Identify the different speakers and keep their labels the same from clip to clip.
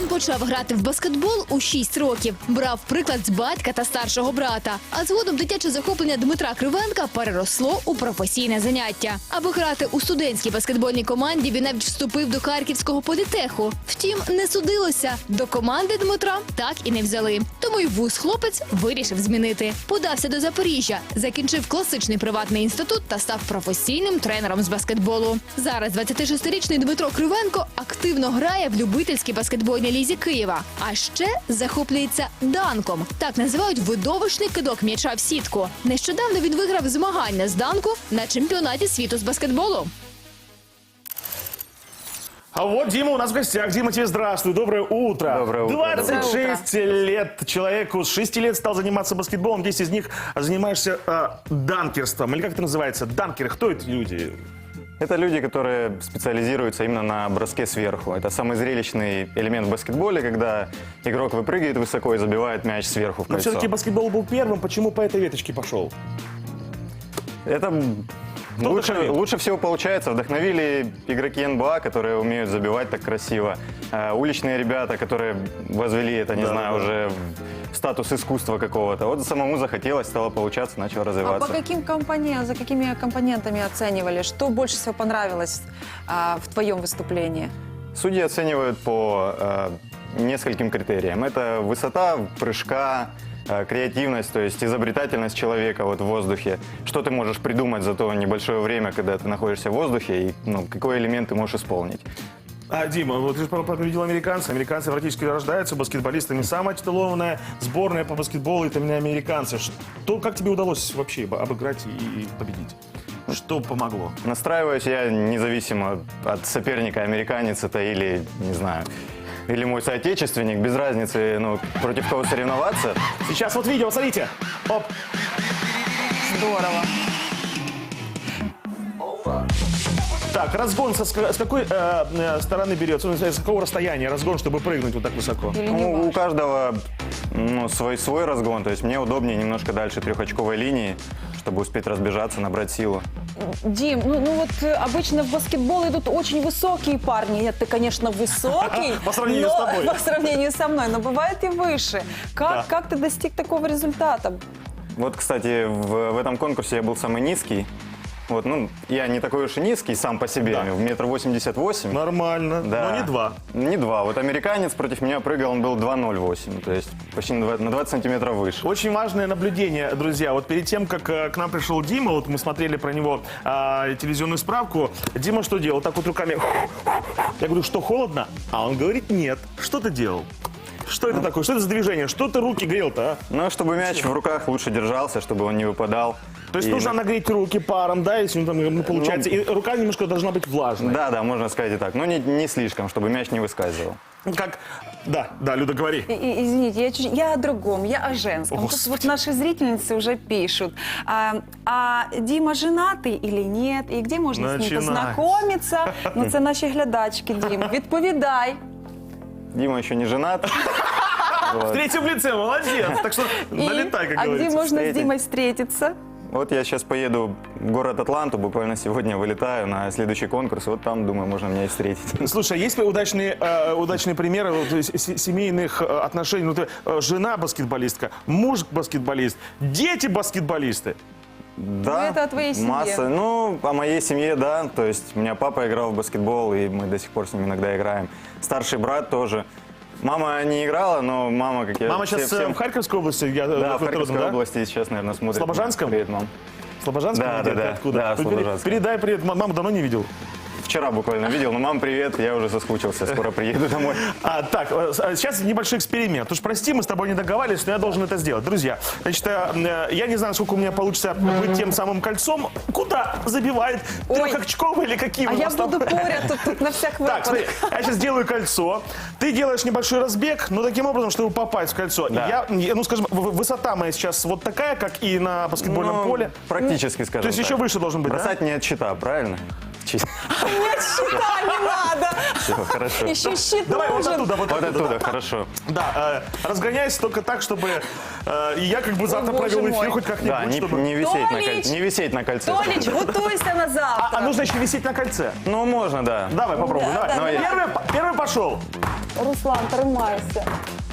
Speaker 1: почав грати в баскетбол у 6 років. Брав приклад з батька та старшого брата. А згодом дитяче захоплення Дмитра Кривенка переросло у професійне заняття. Аби грати у студентській баскетбольній команді, він навіть вступив до Харківського політеху. Втім, не судилося. До команди Дмитра так і не взяли. Тому й вуз хлопець вирішив змінити. Подався до Запоріжжя, закінчив класичний приватний інститут та став професійним тренером з баскетболу. Зараз 26-річний Дмитро Кривенко активно грає в любительській баскетбольній лізі Києва. А ще захоплюється данком. Так називають видовищний кидок м'яча в сітку. Нещодавно він виграв змагання з данку на чемпіонаті світу з баскетболу.
Speaker 2: А вот Дима у нас в гостях. Дима, тебе здравствуй, доброе утро.
Speaker 3: Доброе утро.
Speaker 2: 26 лет. Человеку с 6 лет стал заниматься баскетболом. 10 из них занимаешься данкерством. Или как это называется? Данкеры. Кто эти люди?
Speaker 3: Это люди, которые специализируются именно на броске сверху. Это самый зрелищный элемент в баскетболе, когда игрок выпрыгивает высоко и забивает мяч сверху в
Speaker 2: Но
Speaker 3: кольцо.
Speaker 2: все-таки баскетбол был первым. Почему по этой веточке пошел?
Speaker 3: Это лучше всего получается. Вдохновили игроки НБА, которые умеют забивать так красиво. Уличные ребята, которые возвели это, не знаю, уже в статус искусства какого-то. Вот самому захотелось, стало получаться, начал
Speaker 4: А
Speaker 3: развиваться.
Speaker 4: по каким за какими компонентами оценивали? Что больше всего понравилось в твоем выступлении?
Speaker 3: Судьи оценивают по нескольким критериям. Это высота прыжка, креативность, то есть изобретательность человека вот в воздухе. Что ты можешь придумать за то небольшое время, когда ты находишься в воздухе, и какой элемент ты можешь исполнить.
Speaker 2: Дима, вот ты же победил американца. Американцы практически рождаются баскетболистами. Самая титулованная сборная по баскетболу — это именно американцы. Как тебе удалось вообще обыграть и победить? Что помогло?
Speaker 3: Настраиваюсь я независимо от соперника, американец это или, не знаю, или мой соотечественник, без разницы, против кого соревноваться.
Speaker 2: Сейчас вот видео, смотрите. Оп.
Speaker 4: Здорово.
Speaker 2: Так, разгон с какой стороны берется? С какого расстояния разгон, чтобы прыгнуть вот так высоко?
Speaker 4: Или не
Speaker 3: У
Speaker 4: важно?
Speaker 3: каждого свой разгон, то есть мне удобнее немножко дальше трехочковой линии, чтобы успеть разбежаться, набрать силу.
Speaker 4: Дим, вот обычно в баскетбол идут очень высокие парни. Нет, ты, конечно, высокий.
Speaker 2: По сравнению с тобой.
Speaker 4: По сравнению со мной, но бывает и выше. Как ты достиг такого результата?
Speaker 3: Вот, кстати, в этом конкурсе я был самый низкий. Вот, я не такой уж и низкий сам по себе,
Speaker 2: Да.
Speaker 3: 1,88 м.
Speaker 2: Нормально,
Speaker 3: Да.
Speaker 2: но не два.
Speaker 3: Не 2. Вот американец против меня прыгал, он был 2,08, то есть почти на 20 сантиметров выше.
Speaker 2: Очень важное наблюдение, друзья. Вот перед тем, как к нам пришел Дима, вот мы смотрели про него телевизионную справку. Дима что делал? Так вот руками. Я говорю, что, холодно? А он говорит, нет. Что ты делал? Что это такое? Что это за движение? Что ты руки грел-то, а?
Speaker 3: Чтобы мяч в руках лучше держался, чтобы он не выпадал.
Speaker 2: То есть
Speaker 3: И-
Speaker 2: нужно нагреть руки паром, да, если он там получается. И рука немножко должна быть влажной.
Speaker 3: Да, можно сказать и так. Но не слишком, чтобы мяч не выскальзывал.
Speaker 2: Как? Да, Люда, говори.
Speaker 4: Извините, я о другом, я о женском. Тут
Speaker 2: Господи.
Speaker 4: вот наши зрительницы уже пишут. А Дима женатый или нет? И где можно с ним
Speaker 2: Начинай.
Speaker 4: познакомиться? Це наші глядачки, Дім. Відповідай.
Speaker 3: Дима еще не женат.
Speaker 2: В третьем лице, молодец. Так что налетай, как
Speaker 4: А где
Speaker 2: говорится.
Speaker 4: можно с
Speaker 3: встретить.
Speaker 4: Димой встретиться?
Speaker 3: Вот я сейчас поеду в город Атланту, буквально сегодня вылетаю на следующий конкурс. Вот там, думаю, можно меня и встретить.
Speaker 2: Слушай, а есть ли удачные примеры вот, семейных отношений? Ну, ты, жена баскетболистка, муж баскетболист, дети баскетболисты.
Speaker 3: Да,
Speaker 4: это о твоей семье.
Speaker 3: масса. О моей семье, да. То есть у меня папа играл в баскетбол, и мы до сих пор с ним иногда играем. Старший брат тоже. Мама не играла, но мама, как я...
Speaker 2: Мама сейчас
Speaker 3: всем-
Speaker 2: в Харьковской области?
Speaker 3: Да, в Харьковской
Speaker 2: да?
Speaker 3: области сейчас, наверное, смотрит.
Speaker 2: В Слобожанском?
Speaker 3: Привет, мам.
Speaker 2: Слобожанском?
Speaker 3: Да,
Speaker 2: Где?
Speaker 3: да,
Speaker 2: Ты
Speaker 3: да.
Speaker 2: Откуда?
Speaker 3: Да, в Слобожанском.
Speaker 2: Передай привет, маму давно не видел.
Speaker 3: Вчера буквально видел, но мам, привет, я уже соскучился, скоро приеду домой.
Speaker 2: Так, сейчас небольшой эксперимент. Уж прости, мы с тобой не договаривались, но я должен это сделать. Друзья, значит, я не знаю, сколько у меня получится быть тем самым кольцом. Куда забивает?
Speaker 4: Ой.
Speaker 2: Трехочковый или каким?
Speaker 4: А
Speaker 2: у
Speaker 4: я
Speaker 2: нас там?
Speaker 4: буду поряд тут на всяк
Speaker 2: Так, смотри,
Speaker 4: выпадок.
Speaker 2: я сейчас делаю кольцо. Ты делаешь небольшой разбег, но таким образом, чтобы попасть в кольцо.
Speaker 3: Да.
Speaker 2: Скажем, высота моя сейчас вот такая, как и на баскетбольном поле.
Speaker 3: Практически, скажем
Speaker 2: То есть
Speaker 3: так.
Speaker 2: еще выше должен быть, да?
Speaker 3: Бросать не от щита, правильно? учить.
Speaker 4: Нет, счета не надо.
Speaker 3: Все, хорошо.
Speaker 4: Еще щит
Speaker 2: Давай вот
Speaker 4: нужен.
Speaker 2: оттуда, вот
Speaker 3: Вот
Speaker 2: оттуда.
Speaker 3: оттуда, хорошо.
Speaker 2: Да, разгоняйся только так, чтобы и я как бы завтра
Speaker 4: боже
Speaker 2: провел эфир
Speaker 4: мой.
Speaker 2: хоть как-нибудь,
Speaker 3: Да,
Speaker 2: чтобы...
Speaker 3: не висеть на
Speaker 4: Толич!
Speaker 3: кольце. Не висеть на кольце.
Speaker 4: Толич, готовься на завтра.
Speaker 2: А нужно еще висеть на кольце.
Speaker 3: Ну, можно, да.
Speaker 2: Давай попробуем.
Speaker 4: Да,
Speaker 2: Давай.
Speaker 4: да,
Speaker 2: Первый пошел.
Speaker 4: Руслан, тримайся.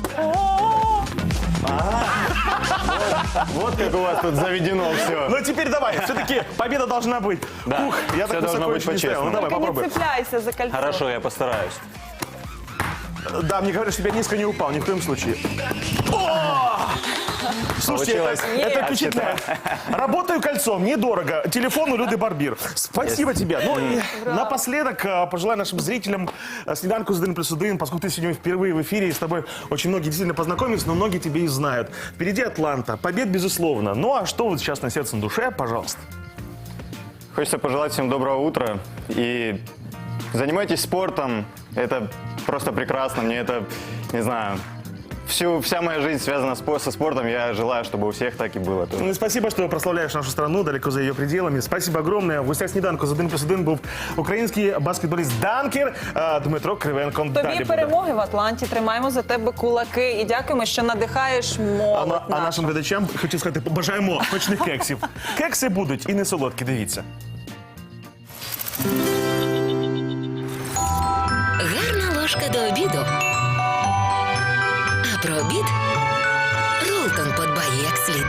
Speaker 3: Вот как у вас тут заведено все.
Speaker 2: Ну теперь давай, все-таки победа должна быть.
Speaker 3: Да,
Speaker 2: Ух, я
Speaker 3: всё
Speaker 2: так
Speaker 3: должно
Speaker 2: высоко
Speaker 3: быть
Speaker 2: еще не ставил. Ну
Speaker 3: по-честному.
Speaker 2: давай,
Speaker 4: Только не
Speaker 2: попробуй.
Speaker 4: цепляйся за кольцо.
Speaker 3: Хорошо, я постараюсь.
Speaker 2: Да, мне говорят, что я низко не упал, ни в коем случае. О! Слушайте,
Speaker 3: Получилось.
Speaker 2: это впечатляет. Работаю кольцом, недорого. Телефон у Люды Барбир. Спасибо тебе. Ну и напоследок пожелаю нашим зрителям снеданку с 1+1, поскольку ты сегодня впервые в эфире, и с тобой очень многие действительно познакомились, но многие тебе и знают. Впереди Атланта, побед безусловно. Ну а что вот сейчас на сердце, на душе, пожалуйста.
Speaker 3: Хочется пожелать всем доброго утра. И занимайтесь спортом. Это просто прекрасно. Мне это, не знаю, вся моя жизнь связана со спортом. Я желаю, чтобы у всех так и было.
Speaker 2: Ну и спасибо, что прославляешь нашу страну далеко за ее пределами. Спасибо огромное. В гостях сніданку з 1+1 був український баскетболіст Данкер Дмитро Кривенко.
Speaker 4: Тобі
Speaker 2: Далі буде.
Speaker 4: перемоги в Атланті, тримаємо за тебе кулаки і дякуємо, що надихаєш молодь
Speaker 2: А нашим глядачам хочу сказати, побажаємо смачних кексів. Кекси будуть і не солодкі, дивіться.
Speaker 5: Гарна ложка до обіду. А про обід Ролтон подбає як слід.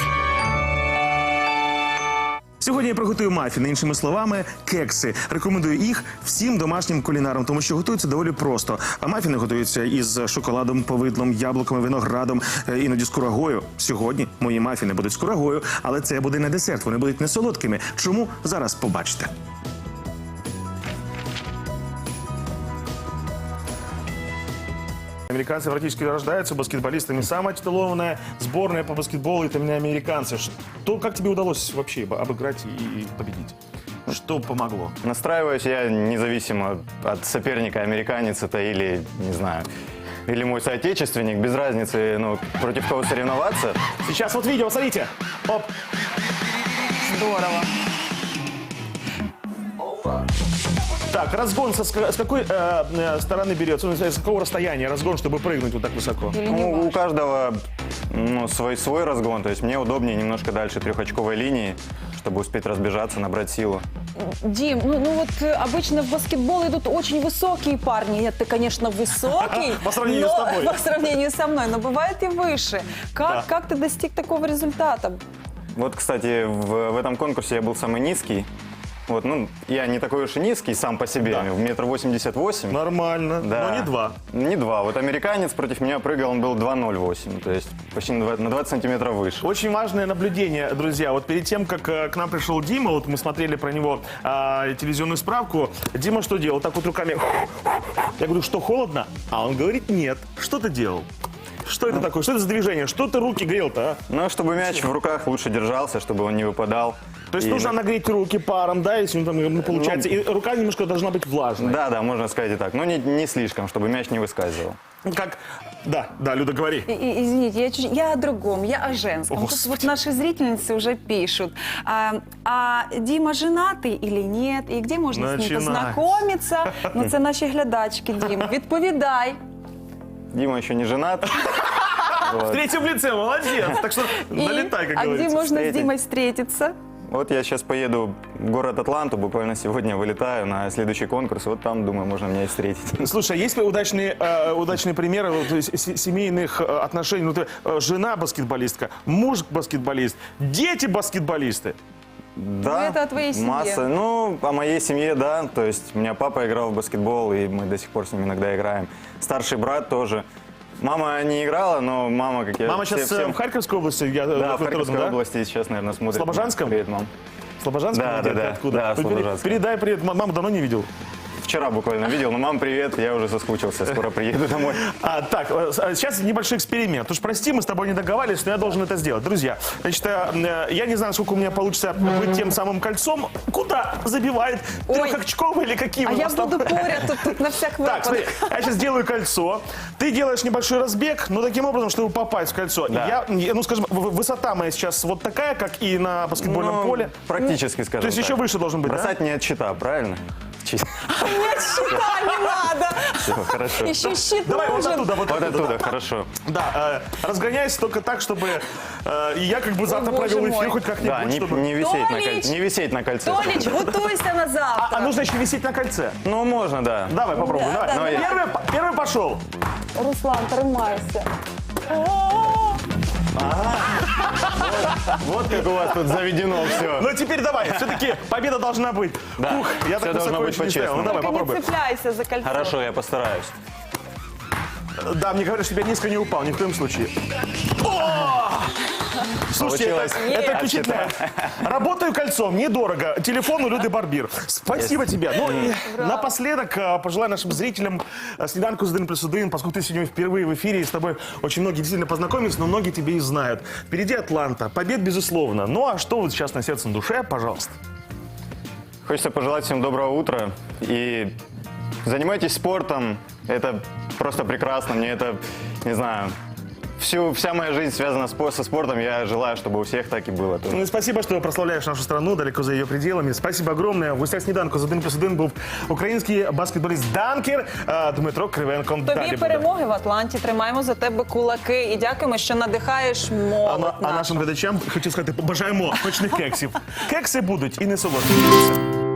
Speaker 2: Сьогодні я приготую мафіни, іншими словами, кекси. Рекомендую їх всім домашнім кулінарам, тому що готуються доволі просто. А мафіни готуються із шоколадом, повидлом, яблуками, виноградом, іноді з курагою. Сьогодні мої мафіни будуть з курагою, але це буде не десерт, вони будуть не солодкими. Чому? Зараз побачите. Американцы практически рождаются баскетболистами. Самая титулованная сборная по баскетболу — это именно американцы. Как тебе удалось вообще обыграть и победить? Что помогло?
Speaker 3: Настраиваюсь я независимо от соперника, американец это или, не знаю, или мой соотечественник, без разницы, ну, против кого соревноваться.
Speaker 2: Сейчас вот видео, смотрите. Оп.
Speaker 4: Здорово.
Speaker 2: Так, разгон с какой стороны берется? Ну, с какого расстояния разгон, чтобы прыгнуть вот так высоко?
Speaker 4: Или не
Speaker 3: Ну, у
Speaker 4: важно?
Speaker 3: каждого свой разгон, то есть мне удобнее немножко дальше трехочковой линии, чтобы успеть разбежаться, набрать силу.
Speaker 4: Дим, ну вот обычно в баскетбол идут очень высокие парни. Нет, ты, конечно, высокий.
Speaker 2: По сравнению с тобой.
Speaker 4: По сравнению со мной, но бывает и выше. Как ты достиг такого результата?
Speaker 3: Вот, кстати, в этом конкурсе я был самый низкий. Вот, ну, я не такой уж и низкий сам по себе,
Speaker 2: Да.
Speaker 3: 1,88 м.
Speaker 2: Нормально,
Speaker 3: Да.
Speaker 2: но не два.
Speaker 3: Не 2. Вот американец против меня прыгал, он был 2,08, то есть почти на 20 сантиметров выше.
Speaker 2: Очень важное наблюдение, друзья. Вот перед тем, как к нам пришел Дима, вот мы смотрели про него телевизионную справку. Дима что делал? Так вот руками. Я говорю, что холодно? А он говорит, нет. Что ты делал? Что это такое? Что это за движение? Что ты руки грел-то, а?
Speaker 3: Ну, чтобы мяч в руках лучше держался, чтобы он не выпадал.
Speaker 2: То есть
Speaker 3: И-
Speaker 2: нужно нагреть руки паром, да, если он там ну, получается. И рука немножко должна быть влажной.
Speaker 3: Да, можно сказать и так. Но не слишком, чтобы мяч не выскальзывал.
Speaker 2: Как? Да, Люда, говори.
Speaker 4: Извините, я о другом, я о женском. Тут
Speaker 2: Господи.
Speaker 4: вот наши зрительницы уже пишут. А Дима женатый или нет? И где можно з ним
Speaker 2: Начинай.
Speaker 4: познайомитися? Ну, це наші глядачки, Дім. Відповідай.
Speaker 3: Дима еще не женат.
Speaker 2: В третьем лице, молодец. Так что налетай, как
Speaker 4: А где
Speaker 2: говорится.
Speaker 4: можно с
Speaker 3: встретить.
Speaker 4: Димой встретиться?
Speaker 3: Вот я сейчас поеду в город Атланту, буквально сегодня вылетаю на следующий конкурс. Вот там, думаю, можно меня и встретить.
Speaker 2: Слушай, а есть ли удачные примеры вот, то есть, семейных отношений? Ну, ты, жена баскетболистка, муж баскетболист, дети баскетболисты.
Speaker 3: Да,
Speaker 4: это о твоей семье.
Speaker 3: масса. Ну, о моей семье, да. То есть у меня папа играл в баскетбол, и мы до сих пор с ним иногда играем. Старший брат тоже. Мама не играла, но мама, как я...
Speaker 2: Мама сейчас
Speaker 3: всем-
Speaker 2: в Харьковской области?
Speaker 3: Да, в Харьковской
Speaker 2: да?
Speaker 3: области сейчас, наверное, смотрит.
Speaker 2: В Слобожанском?
Speaker 3: Привет, мам.
Speaker 2: Слобожанском?
Speaker 3: Да,
Speaker 2: Где?
Speaker 3: да, да.
Speaker 2: Откуда?
Speaker 3: Да, в Слобожанском.
Speaker 2: Передай привет. Маму давно не видел.
Speaker 3: Вчера буквально видел, но мам, привет, я уже соскучился, скоро приеду домой.
Speaker 2: Так, сейчас небольшой эксперимент. Уж прости, мы с тобой не договаривались, но я должен это сделать. Друзья, значит, я не знаю, сколько у меня получится быть тем самым кольцом. Куда забивает?
Speaker 4: Ой.
Speaker 2: Трехочковый или каким?
Speaker 4: А
Speaker 2: у
Speaker 4: я
Speaker 2: нас там?
Speaker 4: буду поряд тут на всяк
Speaker 2: Так, смотри,
Speaker 4: выпадок.
Speaker 2: я сейчас делаю кольцо. Ты делаешь небольшой разбег, но таким образом, чтобы попасть в кольцо.
Speaker 3: Да.
Speaker 2: Ну, скажем, высота моя сейчас вот такая, как и на баскетбольном
Speaker 3: Ну,
Speaker 2: поле.
Speaker 3: Практически, скажем
Speaker 2: То есть
Speaker 3: так.
Speaker 2: еще выше должен быть, да?
Speaker 3: Бросать не от щита, правильно? Чисто.
Speaker 4: Нет, щита не надо.
Speaker 3: Всё, хорошо.
Speaker 4: Еще щит
Speaker 2: Давай вот
Speaker 4: нужен.
Speaker 2: оттуда, вот
Speaker 3: Вот
Speaker 2: оттуда.
Speaker 3: оттуда, хорошо.
Speaker 2: Да, разгоняйся только так, чтобы и я как бы завтра
Speaker 4: боже
Speaker 2: провел
Speaker 4: мой.
Speaker 2: эфир хоть как-нибудь,
Speaker 3: Да,
Speaker 2: чтобы...
Speaker 3: не висеть на
Speaker 4: Толич!
Speaker 3: кольце. Не висеть на кольце.
Speaker 4: Толич, готовься на завтра.
Speaker 2: А нужно еще висеть на кольце.
Speaker 3: Ну, можно, да.
Speaker 2: Давай, попробуй,
Speaker 4: Да,
Speaker 2: давай.
Speaker 4: да,
Speaker 3: да.
Speaker 2: Первый пошел.
Speaker 4: Руслан, тримайся.
Speaker 3: Вот как у вас тут заведено все.
Speaker 2: Ну теперь давай, все-таки победа должна быть.
Speaker 3: Да,
Speaker 2: Ух, я
Speaker 3: всё
Speaker 2: так
Speaker 3: должно
Speaker 2: высоко
Speaker 3: быть
Speaker 2: еще не ставил. Ну
Speaker 3: по-честному.
Speaker 2: давай,
Speaker 4: Только не
Speaker 2: попробуй.
Speaker 4: цепляйся за кольцо.
Speaker 3: Хорошо, я постараюсь.
Speaker 2: Да, мне говорят, что я низко не упал, ни в коем случае. О! Слушайте,
Speaker 3: Получилось.
Speaker 2: это впечатляет. Работаю кольцом, недорого. Телефон у Люды Барбир. Спасибо тебе. Ну и напоследок пожелаю нашим зрителям снеданку с 1+1, поскольку ты сегодня впервые в эфире, и с тобой очень многие действительно познакомились, но многие тебе и знают. Впереди Атланта, побед безусловно. Ну а что вот сейчас на сердце, на душе, пожалуйста.
Speaker 3: Хочется пожелать всем доброго утра. И занимайтесь спортом. Это просто прекрасно. Мне это, не знаю, вся моя жизнь связана со спортом. Я желаю, чтобы у всех так и было.
Speaker 2: Ну и спасибо, что прославляешь нашу страну далеко за ее пределами. Спасибо огромное. В гостях сніданку з 1+1 був український баскетболіст Данкер Дмитро Кривенко.
Speaker 4: Тобі
Speaker 2: Далі буде.
Speaker 4: перемоги в Атланті. Тримаємо за тебе кулаки і дякуємо, що надихаєш молодь
Speaker 2: А
Speaker 4: нашу.
Speaker 2: нашим глядачам хочу сказати, побажаємо смачних кексів. Кекси будуть і не солодкі.